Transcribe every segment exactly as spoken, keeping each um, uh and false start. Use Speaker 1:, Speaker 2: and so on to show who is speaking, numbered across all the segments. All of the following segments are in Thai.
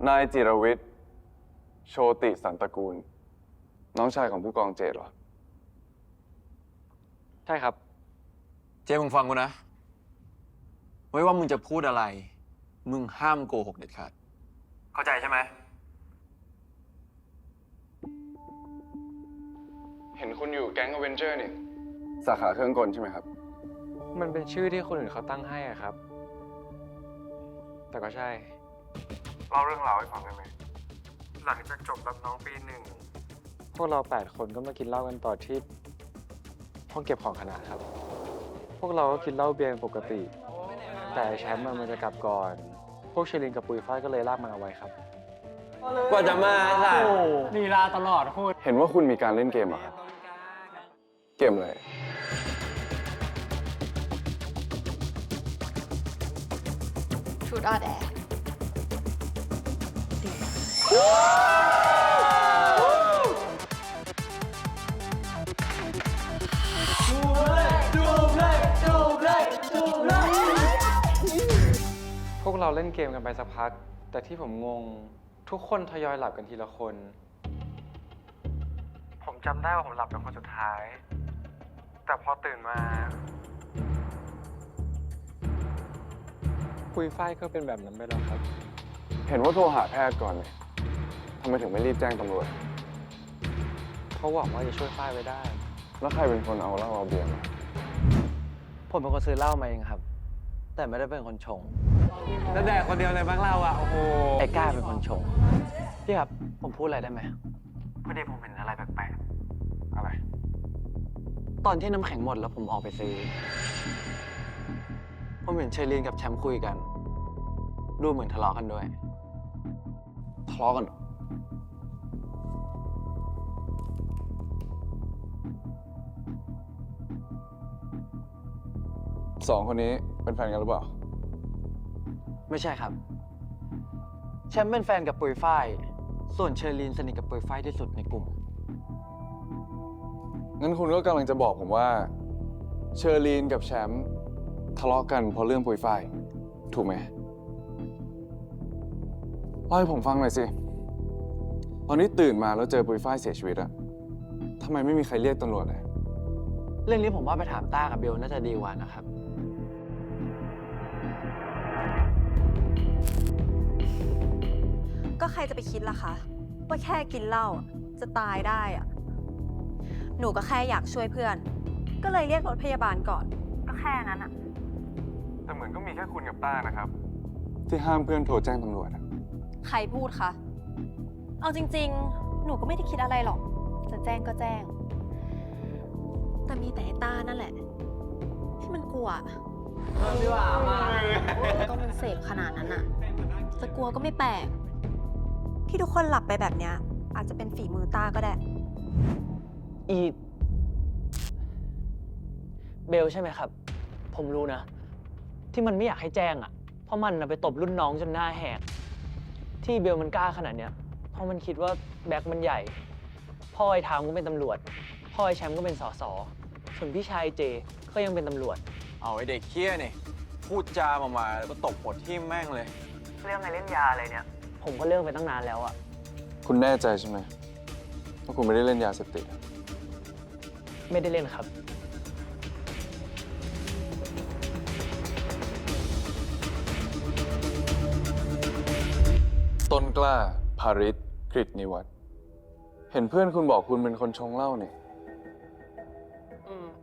Speaker 1: นายจิรวิทย์โชติสันตระกูล น้องชายของผู้กองเจตเหรอ
Speaker 2: ใช่ครับ
Speaker 3: เจมึงฟังกูนะไม่ว่ามึงจะพูดอะไร มึงห้ามโกหกเด็ดขาดเข้าใจใช่ไหม
Speaker 1: เห็นคุณอยู่แก๊งอเวนเจอร์นี่ สาขาเครื่องกลใช่ไหมครับ
Speaker 2: มันเป็นชื่อที่คนอื่นเขาตั้งให้อะครับ แต่ก็ใช่เล่าเรื่องราวให้ฟังได้ไหมหลังจากจบรับน้องปีหนึ่งพวกเราแปดคนก็มากินเหล้ากันต่อที่ห้องเก็บของคณะครับ พวกเราก็กินเหล้าเบียร์ปกติ แต่แชมป์มันจะกลับก่อน พวกเชลินกับปุยฝ้ายก็เลยลากมันเอาไว้ครับ
Speaker 3: กว่าจะมาค่ะ
Speaker 4: ลีลาตลอดโคตร
Speaker 1: เห็นว่าคุณมีการเล่นเกมเหรอครับ เกมอะไร
Speaker 5: ชุดออแดด
Speaker 2: พวกเราเล่นเกมกันไปสักพัก แต่ที่ผมงงทุกคนทยอยหลับกันทีละคน ผมจำได้ว่าผมหลับเป็นคนสุดท้าย แต่พอตื่นมาปุยฝ้ายก็เป็นแบบนั้นไปแล้วครับ
Speaker 1: เห็นว่าโทรหาแพทย์ก่อนเนี่ยทำไมถึงไม่รีบแจ้งตำรวจ
Speaker 2: เขาหวังว่าจะช่วยฝ้ายไว้ได้
Speaker 1: แล้วใครเป็นคนเอาเหล้าเอาเบียร์มา
Speaker 6: ผมเป็นคนซื้อเหล้ามาเองครับ แต่ไม่ได้เป็นคนชง
Speaker 3: แล้วแดกคนเดียวเลยบ้างเราอ่ะ โอ้โห
Speaker 6: ไอ้ก้าเป็นคนชง พี่ครับ ผมพูดอะไรได้ไหม
Speaker 2: พอดีผมเห็นอะไรแปลก
Speaker 1: อะไร
Speaker 6: ตอนที่น้ำแข็งหมดแล้วผมออกไปซื้อ ผมเห็นเชลีนกับแชมป์คุยกัน ดูเหมือนทะเลาะกันด้วย
Speaker 1: ทะเลาะกันเหรอสองคนนี้เป็นแฟนกันหรือเปล่า
Speaker 6: ไม่ใช่ครับ แชมป์เป็นแฟนกับปุยฝ้าย ส่วนเชอรีนสนิทกับปุยฝ้ายที่สุดในกลุ่ม
Speaker 1: งั้นคุณก็กำลังจะบอกผมว่า เชอรีนกับแชมป์ทะเลาะกันเพราะเรื่องปุยฝ้าย ถูกไหมเล่าให้ผมฟังหน่อยสิ ตอนนี้ตื่นมาแล้วเจอปุยฝ้ายเสียชีวิตอะทำไมไม่มีใครเรียกตำรวจเลย
Speaker 6: เรื่องนี้ผมว่าไปถามต้ากับเบลน่าจะดีกว่านะครับ
Speaker 5: ก็ใครจะไปคิดล่ะคะ ว่าแค่กินเหล้าอะจะตายได้อะหนูก็แค่อยากช่วยเพื่อน ก็เลยเรียกรถพยาบาลก่อน ก็แค่นั้นอะ
Speaker 1: แต่เหมือนก็มีแค่คุณกับต้านะครับ ที่ห้ามเพื่อนโทรแจ้งตำรวจอะ
Speaker 5: ใครพูดคะ เอาจริงๆ หนูก็ไม่ได้คิดอะไรหรอก จะแจ้งก็แจ้ง แต่มีแต่ไอ้ต้านั่นแหละ ที่มันกลัวก็มันเสพขนาดนั้นอะจะกลัวก็ไม่แปลก ที่ทุกคนหลับไปแบบเนี้ยอาจจะเป็นฝีมือต้าก็ได้
Speaker 6: อีเบลใช่ไหมครับ ผมรู้นะ ที่มันไม่อยากให้แจ้งอ่ะ เพราะมันนะไปตบรุ่นน้องจนหน้าแหก ที่เบลมันกล้าขนาดเนี้ย เพราะมันคิดว่าแบ็คมันใหญ่ พ่อไอ้ทามก็เป็นตำรวจ พ่อไอ้แชมป์ก็เป็นสสส่วนพี่ชายเจก็ยังเป็นตำรวจ
Speaker 3: เอาไอ้เด็กเคี้ยนี่ พูดจามามาแล้วก็ตบหัวทิ่มแม่งเลย
Speaker 6: เรื่องไงเล่นยาอะไรเนี่ย ผมก็เลิกไปตั้งนานแล้วอ่ะ
Speaker 1: คุณแน่ใจใช่ไหมว่าคุณไม่ได้เล่นยาเสพติดอะ
Speaker 6: ไม่ได้เล่นครับ
Speaker 1: ต้นกล้า ภาริศกฤตนิวัฒน์เห็นเพื่อนคุณบอกคุณเป็นคนชงเหล้านี่
Speaker 4: อืม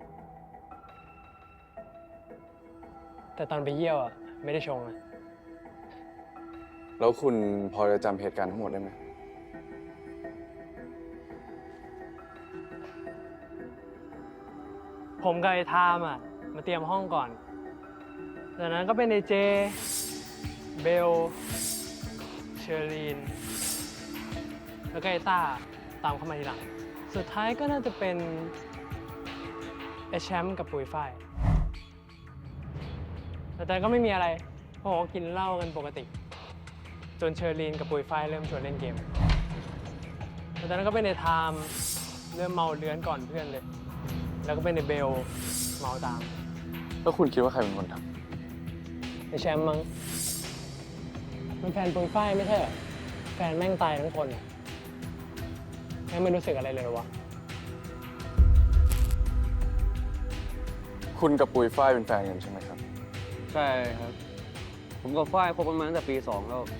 Speaker 4: แต่ตอนไปเยี่ยวอ่ะ ไม่ได้ชงนะ
Speaker 1: แล้วคุณพอจะจำเหตุการณ์ทั้งหมดได้ไหม
Speaker 4: ผมกับไอ้ทามอ่ะ มาเตรียมห้องก่อน จากนั้นก็เป็นไอเจ เบล เชอรีน แล้วก็ไอต้าตามเข้ามาทีหลัง สุดท้ายก็น่าจะเป็นไอแชมป์กับปุยฝ้าย แต่แต่ก็ไม่มีอะไรเพราะผมก็กินเหล้ากันปกติ จนเชอรีนกับปุยฝ้ายเริ่มชวนเล่นเกมแล้วจากนั้นก็เป็นไอไทม์เริ่มเมาเลื้อนก่อนเพื่อนเลย แล้วก็เป็นไอเบลเมาตาม
Speaker 1: แล้วคุณคิดว่าใครเป็นคนท
Speaker 4: ไอแชมป์มั้งมันแฟนปุยฝ้ายไม่ใช่เหรอ
Speaker 1: ำ
Speaker 4: ฟนแม่งตายทั้งคนอะแม่งไม่รู้สึกอะไรเลยเหรอวะ
Speaker 1: คุณกับปุยฝ้ายเป็นแฟนกันใช่ไหมครับ
Speaker 7: ใช่ครับ ผมกับฝ้ายคบกันมาตั้งแต่ปีสองแล้ว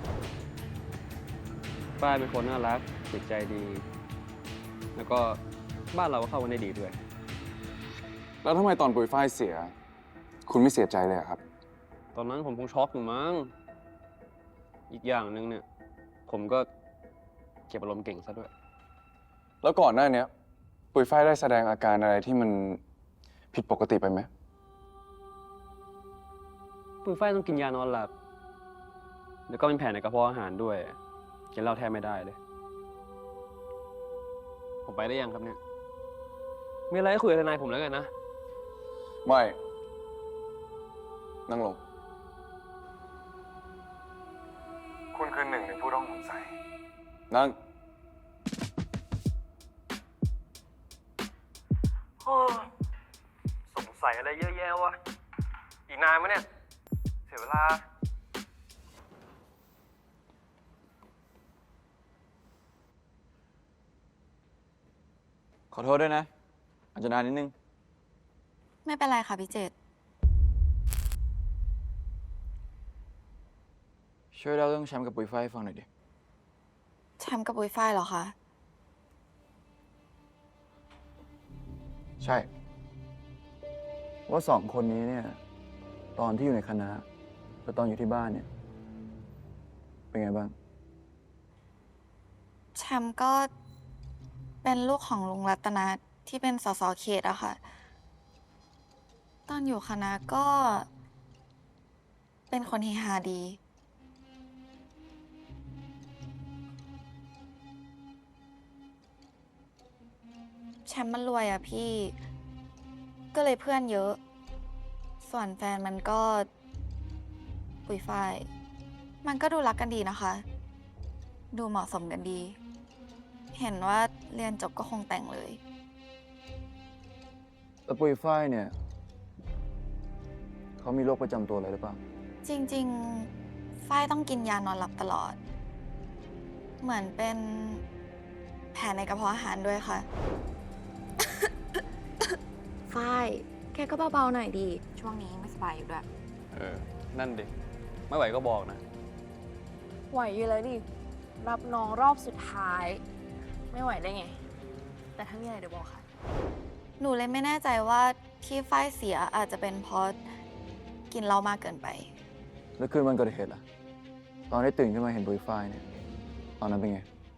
Speaker 7: ฝ้ายเป็นคนน่ารักจิตใจดี แล้วก็บ้านเราก็เข้ากันได้ดีด้วย
Speaker 1: แล้วทำไมตอนปุยฝ้ายเสีย คุณไม่เสียใจเลยอะครับ
Speaker 7: ตอนนั้นผมคงช็อกอยู่มั้ง อีกอย่างหนึ่งเนี่ย ผมก็เก็บอารมณ์เก่งซะด้วย
Speaker 1: แล้วก่อนหน้าเนี้ยปุยฝ้ายได้แสดงอาการอะไรที่มันผิดปกติไปไหม
Speaker 7: ปุยฝ้ายต้องกินยานอนหลับ แล้วก็เป็นแผลในกระเพาะอาหารด้วย กินเหล้าแทบไม่ได้เลย ผมไปได้ยังครับเนี่ย มีอะไรให้คุยกับทนายผมแล้วกันนะ
Speaker 1: ไม่ นั่งลง คุณคือหนึ่งในผู้ต้องสงสัย นั่ง
Speaker 2: สงสัยอะไรเยอะแยะวะ อีกนานไหมเนี่ย เสียเวลา
Speaker 3: ขอโทษด้วยนะ อาจจะนานนิดนึง
Speaker 5: ไม่เป็นไรค่ะพี่เจต
Speaker 3: ช่วยเล่าเรื่องแชมป์กับปุยฝ้ายให้ฟังหน่อยดิ
Speaker 5: แชมป์กับปุยฝ้ายเหรอคะ
Speaker 3: ใช่ ว่าสองคนนี้เนี่ย ตอนที่อยู่ในคณะกับตอนอยู่ที่บ้านเนี่ย เป็นไงบ้าง
Speaker 5: แชมป์ก็เป็นลูกของลุงรัตนาที่เป็นสสเขตอะค่ะ ตอนอยู่คณะก็เป็นคนเฮฮาดี แชมป์มันรวยอะพี่ ก็เลยเพื่อนเยอะ ส่วนแฟนมันก็ปุยฝ้าย มันก็ดูรักกันดีนะคะ ดูเหมาะสมกันดี เห็นว่าเรียนจบก็คงแต่งเลย
Speaker 3: แล้วปุยฝ้ายเนี่ยเขามีโรคประจำตัวอะไรหรือเปล่า
Speaker 5: จริงๆ ฝ้ายต้องกินยานอนหลับตลอด เหมือนเป็นแผลในกระเพาะอาหารด้วยค่ะ ฝ้าย แกก็เบาๆหน่อยดี ช่วงนี้ไม่สบายอยู่ด้วย
Speaker 7: เออ นั่นดิ ไม่ไหวก็บอกนะ
Speaker 8: ไหวอยู่แล้วดิ รับน้องรอบสุดท้าย ไม่ไหวได้ไง แต่ถ้ามีอะไรเดี๋ยวบอกค่ะ
Speaker 5: หนูเลยไม่แน่ใจว่าที่ฝ้ายเสียอาจจะเป็นเพราะกินเหล้ามากเกินไป
Speaker 3: แล้วคืนวันเกิดเหตุล่ะ ตอนได้ตื่นขึ้นมาเห็นปุยฝ้ายเนี่ย ตอนนั้นเป็นไง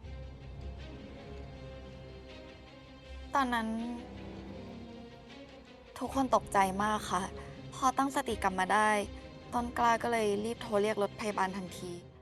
Speaker 5: ตอนนั้น ทุกคนตกใจมากค่ะ พอตั้งสติกลับมาได้ ต้นกล้าก็เลยรีบโทรเรียกรถพยาบาลทันที